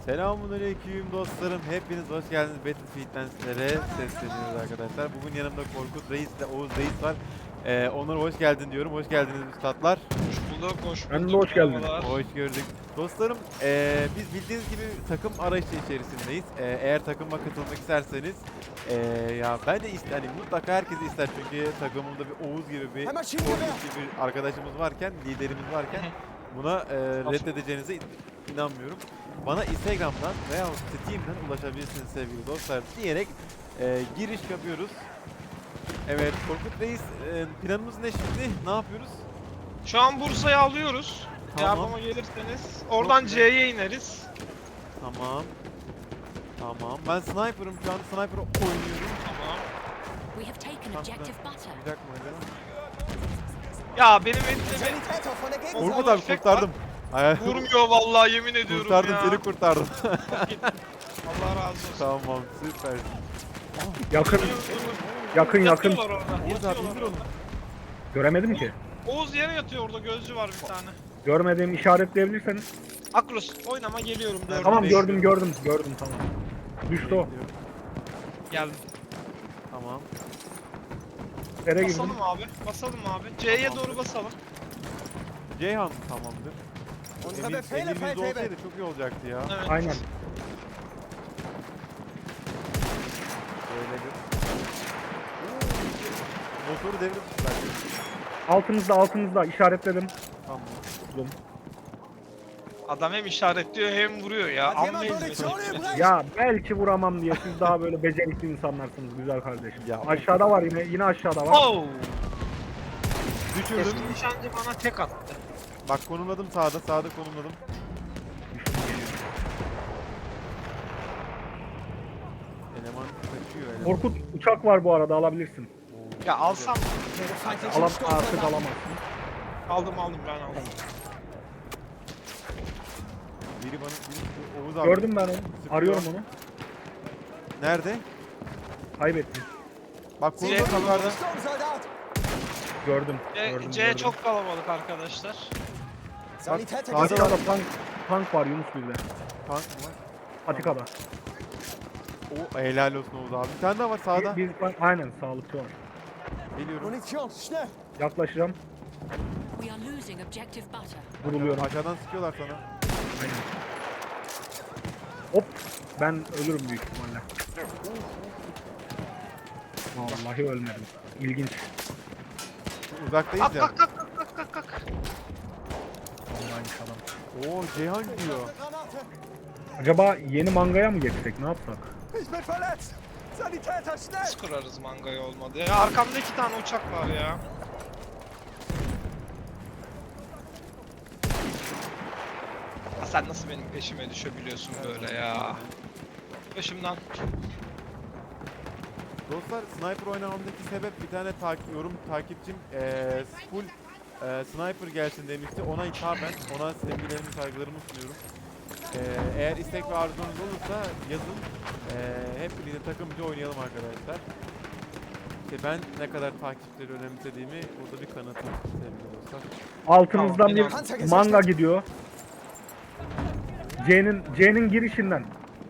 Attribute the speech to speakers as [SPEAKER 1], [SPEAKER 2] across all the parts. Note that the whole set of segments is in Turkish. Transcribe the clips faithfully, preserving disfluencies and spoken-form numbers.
[SPEAKER 1] Selamünaleyküm dostlarım. Hepiniz hoş geldiniz. Battlefield'den sizlere sesleniyoruz arkadaşlar. Bugün yanımda Korkut Reis ile Oğuz Reis var. Ee, Onur hoş geldin diyorum. Hoş geldiniz üstadlar.
[SPEAKER 2] Hoş bulduk, hoş
[SPEAKER 3] Ben de
[SPEAKER 2] bulduk.
[SPEAKER 3] hoş geldin.
[SPEAKER 2] Merhabalar.
[SPEAKER 1] Hoş gördük. Dostlarım ee, biz bildiğiniz gibi takım arayışı içerisindeyiz. Ee, eğer takıma katılmak isterseniz ee, ya ben de ister, hani mutlaka herkes ister çünkü takımımda bir Oğuz gibi bir Korkut gibi bir arkadaşımız varken, liderimiz varken buna ee, reddedeceğinize inanmıyorum. Bana Instagram'dan veya Steam'den ulaşabilirsiniz sevgili dostlar diyerek e, giriş yapıyoruz. Evet Korkut Reis, e, planımız ne şimdi? Ne yapıyoruz?
[SPEAKER 2] Şu an Bursa'yı alıyoruz.
[SPEAKER 1] Tamam.
[SPEAKER 2] Yardıma gelirseniz. Oradan
[SPEAKER 1] güzel.
[SPEAKER 2] C'ye ineriz.
[SPEAKER 1] Tamam. Tamam. Ben sniper'ım şu an. Sniper oynuyorum.
[SPEAKER 2] Tamam.
[SPEAKER 4] We have taken objective butter.
[SPEAKER 1] Olacak mı öyle?
[SPEAKER 2] Ya benim elimde
[SPEAKER 1] Korkut abi
[SPEAKER 2] Efekt
[SPEAKER 1] kurtardım. Ay,
[SPEAKER 2] vurmuyor vallahi yemin ediyorum
[SPEAKER 1] kurtardım
[SPEAKER 2] ya.
[SPEAKER 1] seni kurtardım.
[SPEAKER 2] Allah razı olsun.
[SPEAKER 1] Tamam süper.
[SPEAKER 3] Yakın, yakın yakın.
[SPEAKER 2] Yatıyorlar orada.
[SPEAKER 1] Oğuz abi
[SPEAKER 2] Yatıyorlar
[SPEAKER 1] indir onu.
[SPEAKER 2] orada.
[SPEAKER 3] Göremedim ki.
[SPEAKER 2] Oğuz yere yatıyor orada, gözcü var bir tane.
[SPEAKER 3] Görmediğimi işaretleyebilirseniz.
[SPEAKER 2] Akros oynama, geliyorum dördüm.
[SPEAKER 3] Tamam
[SPEAKER 1] beş
[SPEAKER 3] gördüm gördüm gördüm tamam. Düştü o.
[SPEAKER 2] Geldim.
[SPEAKER 1] Tamam.
[SPEAKER 3] Nereye girdim?
[SPEAKER 2] Basalım abi. Basalım abi. C'ye doğru basalım.
[SPEAKER 1] Ceyhan tamamdır. Emir, Emir yüzde olsaydı çok iyi olacaktı ya.
[SPEAKER 2] Evet.
[SPEAKER 3] Aynen.
[SPEAKER 1] Böyle bir... Motoru devirmişler.
[SPEAKER 3] Altınızda altınızda işaretledim.
[SPEAKER 1] Tamam.
[SPEAKER 3] Buldum.
[SPEAKER 2] Adam hem işaretliyor hem vuruyor ya. Amma hizmet.
[SPEAKER 3] Ya belki vuramam diye siz daha böyle becerikli insanlarsınız güzel kardeşim.
[SPEAKER 1] Ya.
[SPEAKER 3] Aşağıda var yine yine aşağıda var.
[SPEAKER 2] Oh!
[SPEAKER 1] Düşürdüm.
[SPEAKER 2] Eski nişancı bana tek attı.
[SPEAKER 1] Bak konumladım sağda, sağda konumladım. Eleman kaçıyor eleman.
[SPEAKER 3] Korkut uçak var bu arada alabilirsin.
[SPEAKER 1] Oo,
[SPEAKER 2] Ya alsam
[SPEAKER 3] Alam artık alamazsın.
[SPEAKER 2] aldım aldım ben aldım.
[SPEAKER 1] biri bana, biri Oğuz abi.
[SPEAKER 3] Gördüm ben onu. Arıyorum onu.
[SPEAKER 1] Nerede?
[SPEAKER 3] Kaybettim.
[SPEAKER 1] Bak
[SPEAKER 2] C
[SPEAKER 1] konumladım
[SPEAKER 2] kalabalık.
[SPEAKER 1] yukarıda.
[SPEAKER 3] Gördüm.
[SPEAKER 2] C,
[SPEAKER 3] gördüm,
[SPEAKER 2] C
[SPEAKER 3] gördüm.
[SPEAKER 2] çok kalabalık arkadaşlar.
[SPEAKER 1] Bak sağda var.
[SPEAKER 3] Patikada tank, tank var Yunus bir de.
[SPEAKER 1] Tank mı var?
[SPEAKER 3] Patikada.
[SPEAKER 1] O helal olsun Oğuz abi. Bir tane daha var sağda.
[SPEAKER 3] Bir, bir, aynen sağlıkçı var.
[SPEAKER 1] Geliyorum.
[SPEAKER 3] Yaklaşacağım.
[SPEAKER 4] We are losing objective butter.
[SPEAKER 3] Vuruluyorum.
[SPEAKER 1] Aşağıdan sıkıyorlar sana.
[SPEAKER 3] Aynen. Hop. Ben ölürüm büyük ihtimalle. Vallahi ölmedim. İlginç.
[SPEAKER 1] Uzaktayız
[SPEAKER 2] Kalk
[SPEAKER 1] ya.
[SPEAKER 2] kalk kalk kalk kalk kalk kalk.
[SPEAKER 3] Vallahi adam.
[SPEAKER 1] Oo Ceyhan gidiyor.
[SPEAKER 3] Acaba yeni mangaya mı geçsek? Ne yapsak?
[SPEAKER 2] Nasıl kurarız mangayı olmadı ya? Arkamda iki tane uçak var ya. Ya sen nasıl benim peşime düşebiliyorsun böyle ya? Başımdan.
[SPEAKER 1] Dostlar sniper oynamamdaki sebep bir tane takip, yorum takipçim eee full eee, sniper gelsin demişti. Ona hitaben ona sevgilerimi saygılarımı sunuyorum. Eee, eğer istek ve arzunuz olursa yazın. Eee hep birlikte takımcı oynayalım arkadaşlar. İşte ben ne kadar takipçileri önemsediğimi burada bir kanıtım sevgili dostlar.
[SPEAKER 3] Altımızdan
[SPEAKER 2] Tamam,
[SPEAKER 3] bir manga gidiyor. C'nin C'nin girişinden.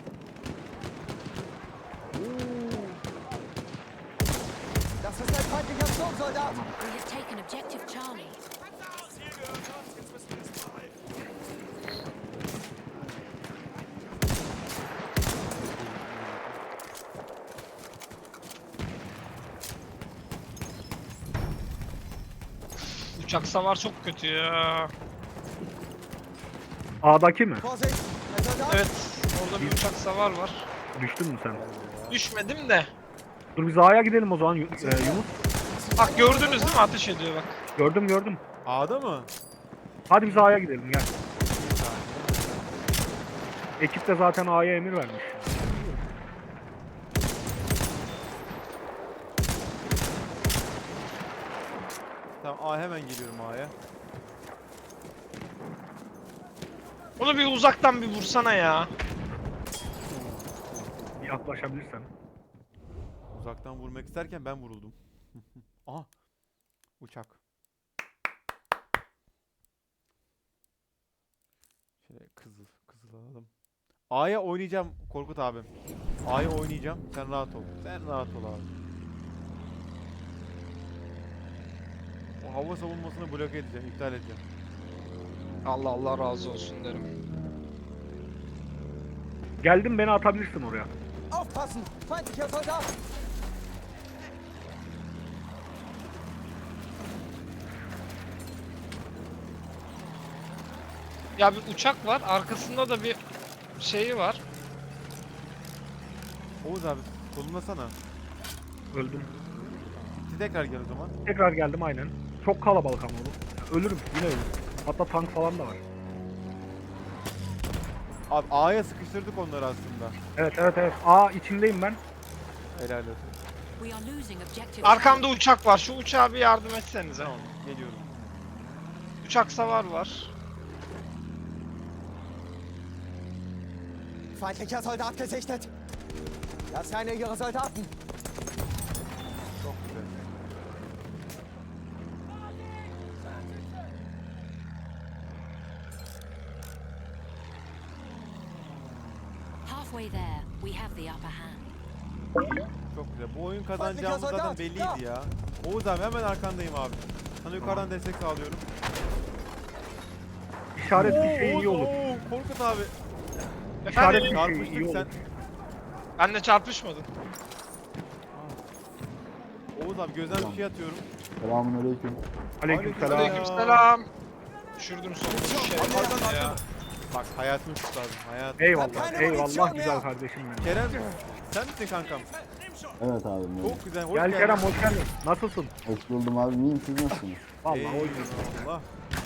[SPEAKER 4] We have taken objective Charlie.
[SPEAKER 2] Uçak savar çok kötü ya.
[SPEAKER 3] A'daki mi?
[SPEAKER 2] Evet. Orada bir uçak savar var.
[SPEAKER 3] Düştün mü sen?
[SPEAKER 2] Düşmedim de.
[SPEAKER 3] Dur biz A'ya gidelim o zaman Yu- e, Yunus.
[SPEAKER 2] Bak gördünüz değil mi? Ateş ediyor bak.
[SPEAKER 3] Gördüm gördüm.
[SPEAKER 1] A'da mı?
[SPEAKER 3] Hadi biz A'ya gidelim gel. Ekip de zaten A'ya emir vermiş.
[SPEAKER 1] Tamam A hemen geliyorum A'ya.
[SPEAKER 2] Onu bir uzaktan bir vursana ya.
[SPEAKER 3] Yaklaşabilirsen.
[SPEAKER 1] Uzaktan vurmak isterken ben vuruldum. Aha. Uçak. Şöyle kızıl, kızıl alalım. A'ya oynayacağım Korkut abim. A'ya oynayacağım. Sen rahat ol. Sen rahat ol abi. O hava savunmasını bloke edeceğim, iptal edeceğim.
[SPEAKER 2] Allah Allah razı olsun derim.
[SPEAKER 3] Geldim, beni atabilirsin oraya.
[SPEAKER 5] Aufpassen! Feindlicher Soldat!
[SPEAKER 2] Ya bir uçak var, arkasında da bir şeyi var.
[SPEAKER 1] Oğuz abi solunlasana.
[SPEAKER 3] Öldüm.
[SPEAKER 1] Siz tekrar gel o zaman.
[SPEAKER 3] Tekrar geldim aynen. Çok kalabalık ama oğlum. Ölürüm, yine ölürüm. Hatta tank falan da var.
[SPEAKER 1] Abi A'ya sıkıştırdık onları aslında.
[SPEAKER 3] Evet evet evet. Aa, içindeyim ben.
[SPEAKER 1] Helal olsun.
[SPEAKER 4] We are losing objective
[SPEAKER 2] Arkamda
[SPEAKER 4] Charlie.
[SPEAKER 2] uçak var, şu uçağa bir yardım etsenize.
[SPEAKER 1] Tamam, geliyorum.
[SPEAKER 2] Uçak savar var.
[SPEAKER 5] Feindlicher Soldat gesichtet! Das seien ihre Soldaten!
[SPEAKER 1] Çok güzel.
[SPEAKER 4] Halfway there, we have the upper hand.
[SPEAKER 1] Çok güzel. Bu oyun kazanacağımız zaten belliydi ya. Oğuz abi hemen arkandayım abi. Sana yukarıdan destek sağlıyorum.
[SPEAKER 3] İşaret bir
[SPEAKER 1] Oo,
[SPEAKER 3] şey
[SPEAKER 1] Oğuz,
[SPEAKER 3] iyi olur.
[SPEAKER 1] oo, Korkut abi.
[SPEAKER 3] İşaret
[SPEAKER 2] Efendim,
[SPEAKER 3] bir şey iyi
[SPEAKER 1] Çarpıştık
[SPEAKER 3] olur.
[SPEAKER 1] sen.
[SPEAKER 2] benle çarpışmadın.
[SPEAKER 1] Oğuz abi gözden bir şey atıyorum.
[SPEAKER 6] Selamünaleyküm.
[SPEAKER 3] Aleykümselam.
[SPEAKER 1] Aleyküm-
[SPEAKER 2] Aleykümselam. Düşürdüm sonunda bir şey.
[SPEAKER 1] Arkadan,
[SPEAKER 2] ya.
[SPEAKER 1] arkadan. Bak hayatını kurtardım. Hayat.
[SPEAKER 3] Eyvallah, eyvallah güzel kardeşim benim.
[SPEAKER 1] Kerem sen misin kankam?
[SPEAKER 6] Evet abi. merhaba.
[SPEAKER 1] Çok güzel. Hoş
[SPEAKER 3] Gel
[SPEAKER 1] geldin.
[SPEAKER 3] Kerem, hoş geldin. Nasılsın?
[SPEAKER 6] Hoş buldum abi. İyiyim, siz nasılsınız?
[SPEAKER 3] Vallahi hoş
[SPEAKER 1] Eyvallah.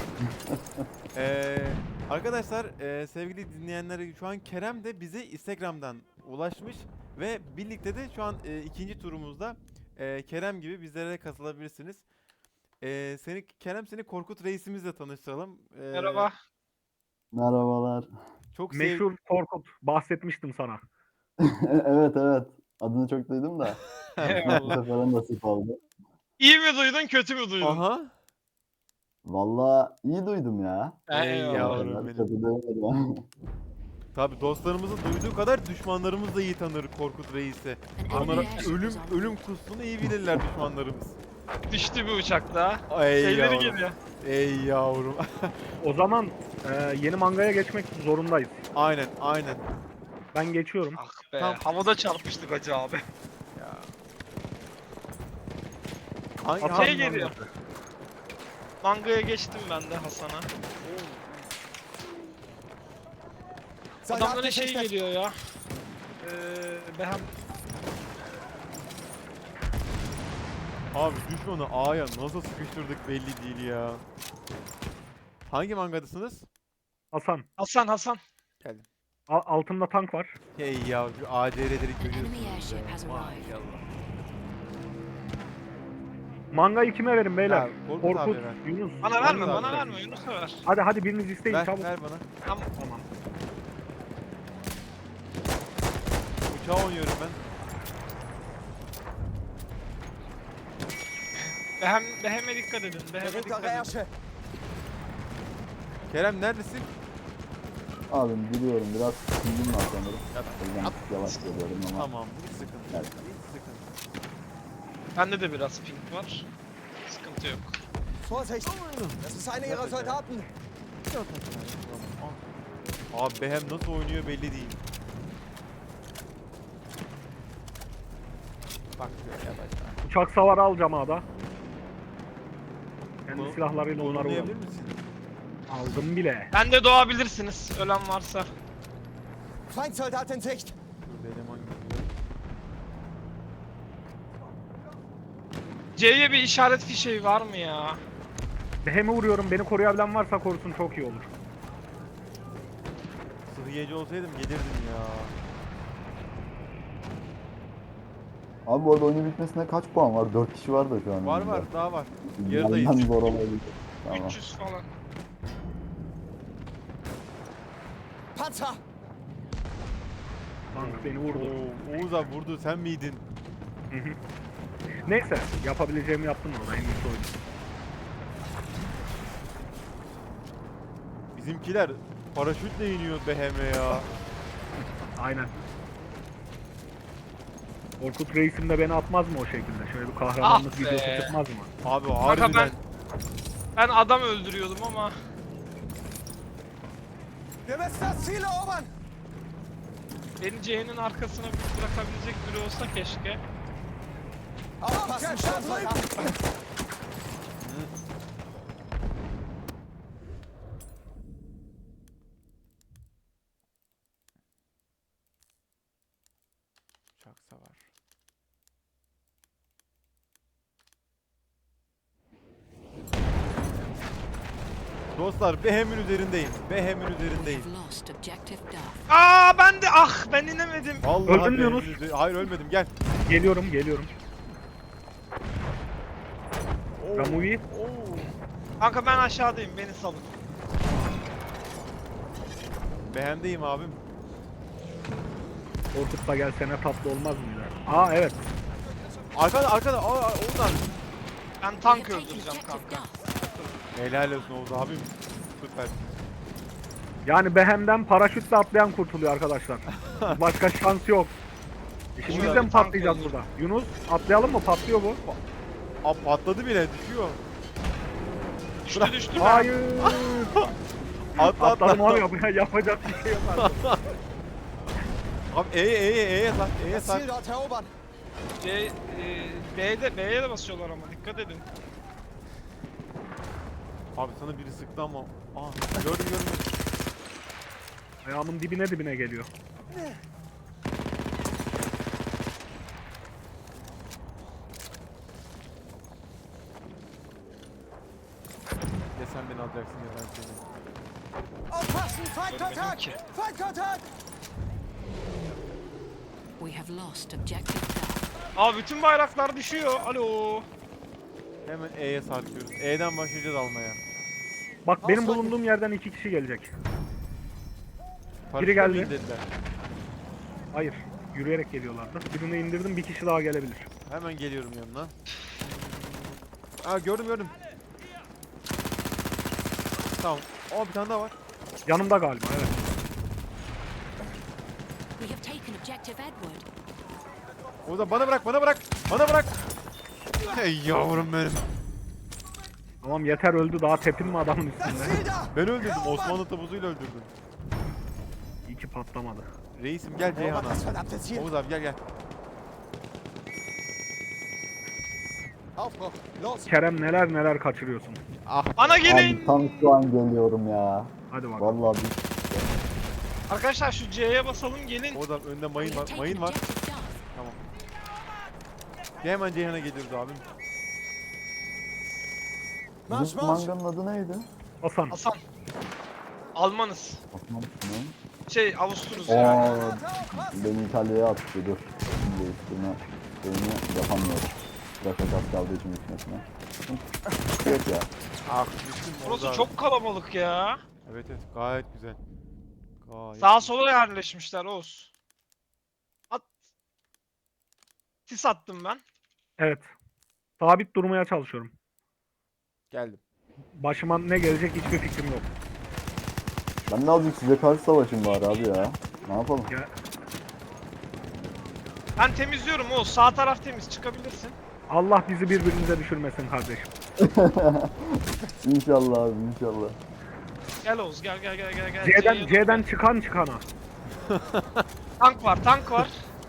[SPEAKER 1] Ee, arkadaşlar e, sevgili dinleyenler şu an Kerem de bize Instagram'dan ulaşmış ve birlikte de şu an e, ikinci turumuzda e, Kerem gibi bizlere katılabilirsiniz. E, seni Kerem seni Korkut reisimizle tanıştıralım. E,
[SPEAKER 2] Merhaba.
[SPEAKER 6] Merhabalar.
[SPEAKER 1] Çok sev-
[SPEAKER 3] Meşhur Korkut. Bahsetmiştim sana.
[SPEAKER 6] Evet evet. Adını çok duydum da. Bu
[SPEAKER 2] Eyvallah.
[SPEAKER 6] sefer nasip oldu.
[SPEAKER 2] İyi mi duydun, kötü mü duydun?
[SPEAKER 1] Aha.
[SPEAKER 6] Vallahi iyi duydum ya.
[SPEAKER 1] Ey
[SPEAKER 2] Eyvallah.
[SPEAKER 1] yavrum
[SPEAKER 6] Kadar
[SPEAKER 1] benim.
[SPEAKER 6] kötü demedim.
[SPEAKER 1] Tabii dostlarımızın duyduğu kadar düşmanlarımız da iyi tanır Korkut reisi.
[SPEAKER 4] An
[SPEAKER 1] Onlara
[SPEAKER 4] enemy airship
[SPEAKER 1] ölüm
[SPEAKER 4] is en
[SPEAKER 1] ölüm
[SPEAKER 4] route.
[SPEAKER 1] kusunu iyi bilirler düşmanlarımız.
[SPEAKER 2] Düştü bir uçak daha.
[SPEAKER 1] Ey
[SPEAKER 2] Şeyleri
[SPEAKER 1] yavrum.
[SPEAKER 2] geliyor.
[SPEAKER 1] Ey yavrum.
[SPEAKER 3] O zaman e, yeni mangaya geçmek zorundayız.
[SPEAKER 1] aynen aynen.
[SPEAKER 3] Ben geçiyorum.
[SPEAKER 2] Ah be,
[SPEAKER 1] Tam-
[SPEAKER 2] havada çarpıştık hacı abi.
[SPEAKER 1] Ya. Hangi,
[SPEAKER 3] Hasan
[SPEAKER 2] Şey
[SPEAKER 1] hangi-
[SPEAKER 2] geliyor. Mangaya geçtim ben de Hasan'a.
[SPEAKER 5] Soldat
[SPEAKER 2] Adamlara şey
[SPEAKER 5] gesichtet!
[SPEAKER 2] geliyor ya. Ee, Behem
[SPEAKER 1] Abi düşmanı A'ya nasıl sıkıştırdık belli değil ya. Hangi mangadasınız?
[SPEAKER 3] Hasan,
[SPEAKER 2] Hasan Hasan.
[SPEAKER 3] a- altında tank var.
[SPEAKER 1] Hey ya şu A C R'leri
[SPEAKER 4] An enemy
[SPEAKER 1] görüyorsunuz
[SPEAKER 4] airship
[SPEAKER 1] ya.
[SPEAKER 4] has arrived.
[SPEAKER 1] Maşallah.
[SPEAKER 3] Mangayı kime verin beyler?
[SPEAKER 1] Ha, Korkut
[SPEAKER 3] Korkut,
[SPEAKER 1] abi ver.
[SPEAKER 3] Yunus.
[SPEAKER 2] Bana
[SPEAKER 1] Vallahi
[SPEAKER 2] verme, bana
[SPEAKER 1] ver.
[SPEAKER 2] verme. Yunus'a ver.
[SPEAKER 3] Hadi hadi biriniz isteyin
[SPEAKER 1] Ver,
[SPEAKER 3] çabuk.
[SPEAKER 1] ver bana.
[SPEAKER 2] Tamam.
[SPEAKER 3] Tamam.
[SPEAKER 1] Uçağa oynuyorum ben.
[SPEAKER 2] Behem, Behem'e dikkat edin. Behem'e
[SPEAKER 5] Berühmter
[SPEAKER 2] dikkat edin.
[SPEAKER 5] Ärsche!
[SPEAKER 1] Kerem neredesin?
[SPEAKER 6] Abim biliyorum biraz sindim var sanırım.
[SPEAKER 1] Ya,
[SPEAKER 6] O yüzden yavaş geliyorum ama.
[SPEAKER 1] Tamam hiç sıkıntı yok.
[SPEAKER 6] Evet.
[SPEAKER 1] Hiç sıkıntı yok.
[SPEAKER 2] Bende de biraz ping var. Sıkıntı yok.
[SPEAKER 5] Vorsicht! Das ist einer ihrer Soldaten!
[SPEAKER 1] Abi Behem nasıl oynuyor belli değil. Bak şöyle yavaştan.
[SPEAKER 3] Uçak savarı alacağım A'da. Kendi
[SPEAKER 1] Bunu-
[SPEAKER 3] silahlarıyla onları
[SPEAKER 1] Oynayabilir
[SPEAKER 3] vuralım.
[SPEAKER 1] misin?
[SPEAKER 3] Aldım bile.
[SPEAKER 2] Ben de doğabilirsiniz. Ölen varsa.
[SPEAKER 5] Feindsoldat in Sicht!
[SPEAKER 1] Dur bir eleman geliyor.
[SPEAKER 2] C'ye bir işaret fişeği var mı ya?
[SPEAKER 3] Behem'e vuruyorum. Beni koruyabilen varsa korusun, çok iyi olur.
[SPEAKER 1] Sıhhiyeci olsaydım gelirdim ya.
[SPEAKER 6] Abi bu arada oyunun bitmesine kaç puan var? dört kişi var da şu an.
[SPEAKER 1] Var
[SPEAKER 6] oyunda.
[SPEAKER 1] var daha var.
[SPEAKER 6] Benden
[SPEAKER 1] Yarıdayız.
[SPEAKER 6] zor olabilir. Tamam.
[SPEAKER 2] üç yüz falan.
[SPEAKER 5] Panzer!
[SPEAKER 3] Tank beni vurdu.
[SPEAKER 1] Oo, Oğuz abi vurdu sen miydin?
[SPEAKER 3] Hı hı. Neyse, yapabileceğimi yaptım orada. En iyisi oydu.
[SPEAKER 1] Bizimkiler paraşütle iniyor Behem'e ya.
[SPEAKER 3] Aynen. Orkut Reis'im de beni atmaz mı o şekilde? Şöyle bir kahramanlık
[SPEAKER 2] Ah be.
[SPEAKER 3] videosu çıkmaz mı?
[SPEAKER 1] Abi
[SPEAKER 2] Kanka
[SPEAKER 1] harbiden.
[SPEAKER 2] ben ben adam öldürüyordum ama
[SPEAKER 5] Wir müssen das Ziel erobern!
[SPEAKER 2] beni C'nin arkasına bırakabilecek biri olsa keşke.
[SPEAKER 5] Aufpassen, Sturmsoldaten!
[SPEAKER 1] Uçak savar. Dostlar Behem'in üzerindeyim. Behem'in
[SPEAKER 4] We
[SPEAKER 1] üzerindeyim.
[SPEAKER 4] have lost objective Duff.
[SPEAKER 2] Aa ben de ah ben inemedim.
[SPEAKER 1] Vallahi
[SPEAKER 3] Öldün mü
[SPEAKER 1] Behem'in
[SPEAKER 3] Yunus?
[SPEAKER 1] üzeri- Hayır ölmedim gel.
[SPEAKER 3] Geliyorum, geliyorum.
[SPEAKER 1] Oo,
[SPEAKER 3] Ramuvi.
[SPEAKER 1] oo.
[SPEAKER 2] Kanka ben aşağıdayım beni salın.
[SPEAKER 1] Behem'deyim abim.
[SPEAKER 3] Orkut da gelsene tatlı olmaz mı ya? Aa evet.
[SPEAKER 1] Arkada arkada. Aa, aa, Oğuz abi.
[SPEAKER 2] Ben
[SPEAKER 4] We
[SPEAKER 2] tank
[SPEAKER 4] have taken
[SPEAKER 2] öldüreceğim
[SPEAKER 4] objective
[SPEAKER 2] kanka.
[SPEAKER 4] Duff.
[SPEAKER 1] Helal olsun Oğuz abim. Süper.
[SPEAKER 3] Yani Behem'den paraşütle atlayan kurtuluyor arkadaşlar. Başka şans yok. İşimizde
[SPEAKER 2] Burada
[SPEAKER 3] mi
[SPEAKER 2] bir tank
[SPEAKER 3] patlayacağız
[SPEAKER 2] olur.
[SPEAKER 3] burada? Yunus atlayalım mı? Patlıyor bu.
[SPEAKER 1] Aa, patladı bile düşüyor.
[SPEAKER 2] Düştü düştü.
[SPEAKER 3] Hayır.
[SPEAKER 1] Atla atla.
[SPEAKER 3] Atladım abi ya. Yapacak bir şey yok artık.
[SPEAKER 1] Abi E'ye E'ye E'ye sak. E'ye
[SPEAKER 5] Das
[SPEAKER 1] sak.
[SPEAKER 5] Ziel dort erobern!
[SPEAKER 2] C, e, B'de B'ye de basıyorlar ama dikkat edin.
[SPEAKER 1] Abi sana biri sıktı ama. Aa gördüm gördüm.
[SPEAKER 3] Ayağımın dibine dibine geliyor.
[SPEAKER 1] Ya sen beni alacaksın ya ben seni.
[SPEAKER 5] Aufpassen!
[SPEAKER 2] Görmedim
[SPEAKER 5] Feindkontakt!
[SPEAKER 2] ki.
[SPEAKER 5] Feindkontakt!
[SPEAKER 4] We have lost objective Duff.
[SPEAKER 2] Aa bütün bayraklar düşüyor. Alo.
[SPEAKER 1] Hemen E'ye sarkıyoruz. E'den başlayacağız almaya.
[SPEAKER 3] Bak benim
[SPEAKER 5] Aslan-
[SPEAKER 3] bulunduğum yerden iki kişi gelecek.
[SPEAKER 1] Paraşütle
[SPEAKER 3] geldi.
[SPEAKER 1] mi indirdiler?
[SPEAKER 3] Hayır. Yürüyerek geliyorlardı. Birini indirdim, bir kişi daha gelebilir.
[SPEAKER 1] Hemen geliyorum yanına. Aa gördüm gördüm. Tamam. Aa bir tane daha var.
[SPEAKER 3] Yanımda galiba, evet.
[SPEAKER 4] We have taken objective Edward.
[SPEAKER 1] O da bana bırak bana bırak. Bana bırak. Hey yavrum benim.
[SPEAKER 3] Tamam yeter, öldü, daha tepinme adamın
[SPEAKER 5] Das
[SPEAKER 3] üstünde.
[SPEAKER 5] Ziel da!
[SPEAKER 1] Ben öldürdüm.
[SPEAKER 5] Erobern!
[SPEAKER 1] Osmanlı tabuzuyla öldürdüm.
[SPEAKER 3] İyi ki patlamadı.
[SPEAKER 1] Reisim gel
[SPEAKER 5] Erobern
[SPEAKER 1] Ceyhan'a.
[SPEAKER 5] das verdammte Ziel!
[SPEAKER 1] Oğuz abi gel gel.
[SPEAKER 5] Aufbruch! Los!
[SPEAKER 3] Kerem neler neler kaçırıyorsun.
[SPEAKER 1] Ah.
[SPEAKER 2] Bana gelin.
[SPEAKER 6] Abi tam şu an geliyorum ya.
[SPEAKER 3] Hadi bakalım.
[SPEAKER 6] Vallahi bir
[SPEAKER 2] Arkadaşlar şu C'ye basalım gelin.
[SPEAKER 1] Oğuz abi önünde
[SPEAKER 4] We
[SPEAKER 1] mayın
[SPEAKER 4] have
[SPEAKER 1] var.
[SPEAKER 4] taken
[SPEAKER 1] Mayın var.
[SPEAKER 4] objective Duff.
[SPEAKER 1] Tamam. Gel hemen Ceyhan'a geliyoruz abim.
[SPEAKER 5] Marş
[SPEAKER 6] bizim
[SPEAKER 5] marş!
[SPEAKER 6] manganın adı neydi?
[SPEAKER 3] Hasan.
[SPEAKER 2] Hasan. Almanız.
[SPEAKER 6] Osman mı?
[SPEAKER 2] Şey Avusturuz yani.
[SPEAKER 6] Aa,
[SPEAKER 5] Granate aufpassen!
[SPEAKER 6] beni İtalya'ya attı dur. Şimdi değiştirme şeyini yapamıyorum. Başka kas kaldığı için bitmesine. Evet ya.
[SPEAKER 1] Ah düştüm Oğuz
[SPEAKER 2] Burası
[SPEAKER 1] abi.
[SPEAKER 2] çok kalabalık ya.
[SPEAKER 1] Evet evet gayet güzel. Gayet.
[SPEAKER 2] Sağa sola yerleşmişler Oğuz. At. Sis attım ben.
[SPEAKER 3] Evet. Sabit durmaya çalışıyorum.
[SPEAKER 1] Geldim.
[SPEAKER 3] Başıma ne gelecek hiçbir fikrim yok.
[SPEAKER 6] Ben de azıcık size karşı savaşım var abi ya. Ne yapalım?
[SPEAKER 3] Ya,
[SPEAKER 2] Ben temizliyorum Oğuz. Sağ taraf temiz. Çıkabilirsin.
[SPEAKER 3] Allah bizi birbirimize düşürmesin kardeşim.
[SPEAKER 6] İnşallah abi inşallah.
[SPEAKER 2] Gel Oğuz gel gel gel gel. gel.
[SPEAKER 3] C'den,
[SPEAKER 2] C'ye
[SPEAKER 3] C'den
[SPEAKER 2] doğru.
[SPEAKER 3] çıkan çıkana.
[SPEAKER 2] Tank var tank var.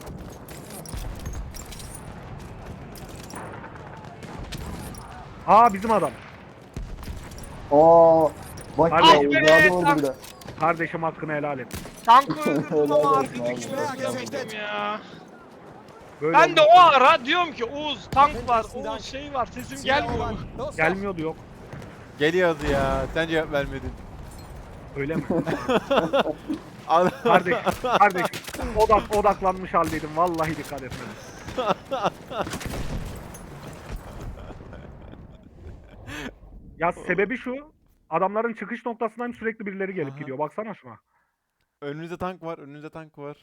[SPEAKER 3] Aa bizim adam.
[SPEAKER 6] Aa, bak
[SPEAKER 3] Hadi.
[SPEAKER 6] ya
[SPEAKER 2] Ah be,
[SPEAKER 6] uzadı oldu
[SPEAKER 2] tak.
[SPEAKER 6] bir de.
[SPEAKER 3] Kardeşim hakkını helal et.
[SPEAKER 2] Tankı öldürdüm
[SPEAKER 6] Helal
[SPEAKER 2] ama
[SPEAKER 6] olsun
[SPEAKER 2] arkadaki
[SPEAKER 6] abi.
[SPEAKER 2] çıkartamadım ya.
[SPEAKER 3] Böyle
[SPEAKER 2] Ben de
[SPEAKER 3] olmaz.
[SPEAKER 2] o ara diyorum ki Oğuz tank var, Oğuz şey var, sesim
[SPEAKER 5] Ziel
[SPEAKER 2] gelmiyor.
[SPEAKER 5] erobern! Los! los.
[SPEAKER 3] Gelmiyordu yok.
[SPEAKER 1] Geliyordu ya. Sen cevap vermedin.
[SPEAKER 3] Öyle mi?
[SPEAKER 1] Al-
[SPEAKER 3] Kardeş, kardeşim odak, odaklanmış haldeydim. Vallahi dikkat etmedim. Ya sebebi şu. Adamların çıkış noktasından sürekli birileri gelip
[SPEAKER 1] Aha.
[SPEAKER 3] gidiyor. Baksana şuna.
[SPEAKER 1] Önünüzde tank var. Önünüzde tank var.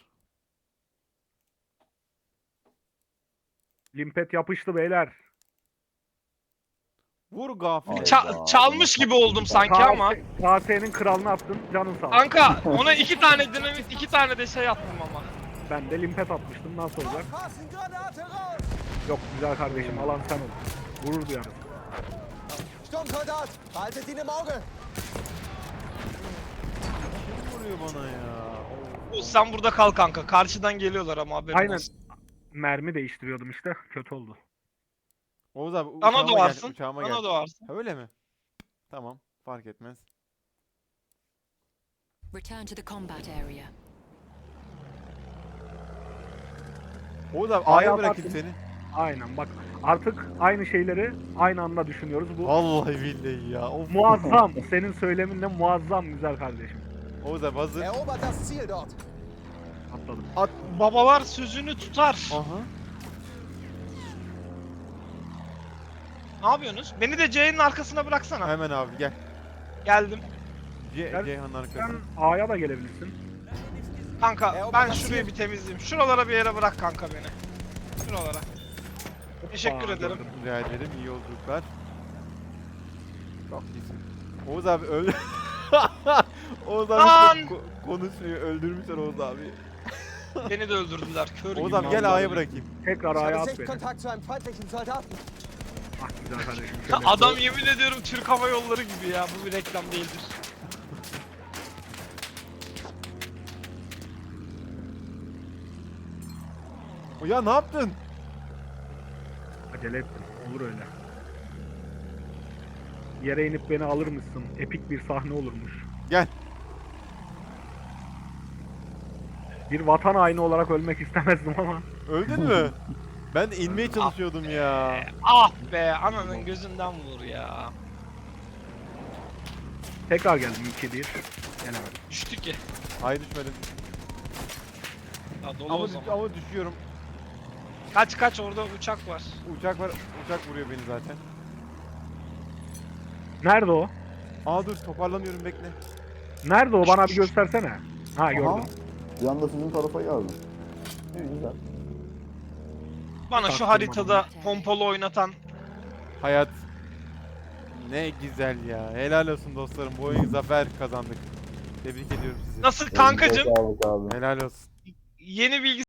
[SPEAKER 3] Limpet yapıştı beyler.
[SPEAKER 1] Vur gafil.
[SPEAKER 6] Ay.
[SPEAKER 2] Ça- çalmış gibi oldum sanki ama.
[SPEAKER 3] K S K'nin kralını attın. Canın sağ olsun.
[SPEAKER 2] Kanka ona iki tane dinamit, iki tane de şey attım ama.
[SPEAKER 3] Ben de limpet atmıştım. Nasıl olacak?
[SPEAKER 5] Aufpassen, Granate raus!
[SPEAKER 3] Yok güzel kardeşim, alan sen ol. Gurur duyarım.
[SPEAKER 5] Sturmsoldat, behaltet ihn im Auge!
[SPEAKER 1] Kim vuruyor bana ya?
[SPEAKER 2] O, sen burada kal kanka. Karşıdan geliyorlar ama haberin
[SPEAKER 3] Aynen.
[SPEAKER 2] olsun.
[SPEAKER 3] Mermi değiştiriyordum işte. Kötü oldu.
[SPEAKER 1] Oğuz abi
[SPEAKER 2] Bana
[SPEAKER 1] uçağıma gel.
[SPEAKER 2] doğarsın.
[SPEAKER 1] Uçağıma
[SPEAKER 2] Bana
[SPEAKER 1] gel.
[SPEAKER 2] doğarsın.
[SPEAKER 1] Ha, öyle mi? Tamam. Fark etmez.
[SPEAKER 4] Return to the combat area.
[SPEAKER 1] Oğuz abi
[SPEAKER 3] A'ya
[SPEAKER 1] A'ya bırakayım
[SPEAKER 3] baktım.
[SPEAKER 1] seni.
[SPEAKER 3] Aynen bak. Artık aynı şeyleri aynı anda düşünüyoruz. Bu
[SPEAKER 1] Vallahi billahi ya. Of.
[SPEAKER 3] muazzam. Senin söyleminle muazzam güzel kardeşim.
[SPEAKER 1] Oğuz abi hazır.
[SPEAKER 5] Erobert das Ziel dort!
[SPEAKER 3] Atladım.
[SPEAKER 2] At, babalar sözünü tutar.
[SPEAKER 1] Aha.
[SPEAKER 2] Ne yapıyorsunuz? Beni de C'nin arkasına bıraksana.
[SPEAKER 1] Hemen abi gel.
[SPEAKER 2] Geldim.
[SPEAKER 1] C
[SPEAKER 3] Gel.
[SPEAKER 1] Ceyhan'ın arkası.
[SPEAKER 3] Sen A'ya da gelebilirsin.
[SPEAKER 2] Kanka
[SPEAKER 5] E, o
[SPEAKER 2] ben
[SPEAKER 5] bana
[SPEAKER 2] şurayı
[SPEAKER 5] sil.
[SPEAKER 2] bir temizleyeyim. Şuralara bir yere bırak kanka beni. Şuralara. Teşekkür
[SPEAKER 3] Aa,
[SPEAKER 2] ederim.
[SPEAKER 3] gördüm.
[SPEAKER 1] Rica ederim. İyi yolculuklar. Çok iyisin. Oğuz abi öldü. Oğuz abi
[SPEAKER 2] Lan!
[SPEAKER 1] çok ko- konuşmuyor. Öldürmüşler Oğuz abi.
[SPEAKER 2] Beni de öldürdüler. Kör
[SPEAKER 1] Oğuz
[SPEAKER 2] gibi.
[SPEAKER 1] abi gel
[SPEAKER 2] vallahi.
[SPEAKER 1] A'ya bırakayım.
[SPEAKER 3] Tekrar
[SPEAKER 5] Ich
[SPEAKER 3] A'ya
[SPEAKER 5] habe
[SPEAKER 3] at beni.
[SPEAKER 5] Sichtkontakt zu einem feindlichen Soldaten.
[SPEAKER 3] Ah güzel kardeşim.
[SPEAKER 2] Ha,
[SPEAKER 3] şöyle.
[SPEAKER 2] Adam yemin ediyorum Türk Hava Yolları gibi ya. Bu bir reklam değildir.
[SPEAKER 1] O ya ne yaptın?
[SPEAKER 3] Acele ettim. Olur öyle. Yere inip beni alır mısın? Epik bir sahne olurmuş.
[SPEAKER 1] Gel.
[SPEAKER 3] Bir vatan haini olarak ölmek istemezdim ama.
[SPEAKER 1] Öldün mü? Ben de inmeye çalışıyordum ya.
[SPEAKER 2] Ah be ananın gözünden vur ya.
[SPEAKER 3] Tekrar geldim iki bir. Gelemedim.
[SPEAKER 2] Düştü ki.
[SPEAKER 1] Hayır düşmedim.
[SPEAKER 2] Ya dolu
[SPEAKER 1] Ama,
[SPEAKER 2] o
[SPEAKER 1] düş-
[SPEAKER 2] zaman.
[SPEAKER 1] ama düşüyorum.
[SPEAKER 2] Kaç kaç orada uçak var.
[SPEAKER 1] Uçak var. Uçak vuruyor beni zaten.
[SPEAKER 3] Nerede o?
[SPEAKER 1] Aa dur toparlanıyorum bekle.
[SPEAKER 3] Nerede o? Bana bir göstersene. Ha
[SPEAKER 6] Aha.
[SPEAKER 3] gördüm.
[SPEAKER 6] Bir anda sizin tarafa geldi. İyi güzel.
[SPEAKER 2] Bana şu
[SPEAKER 3] Taktım
[SPEAKER 2] haritada pompalı oynatan
[SPEAKER 1] Hayat. Ne güzel ya. Helal olsun dostlarım. Bu oyun zafer kazandık. Tebrik ediyorum sizi.
[SPEAKER 2] nasıl kankacım
[SPEAKER 6] Elinize sağlık abi.
[SPEAKER 1] Helal olsun.
[SPEAKER 2] yeni bilgi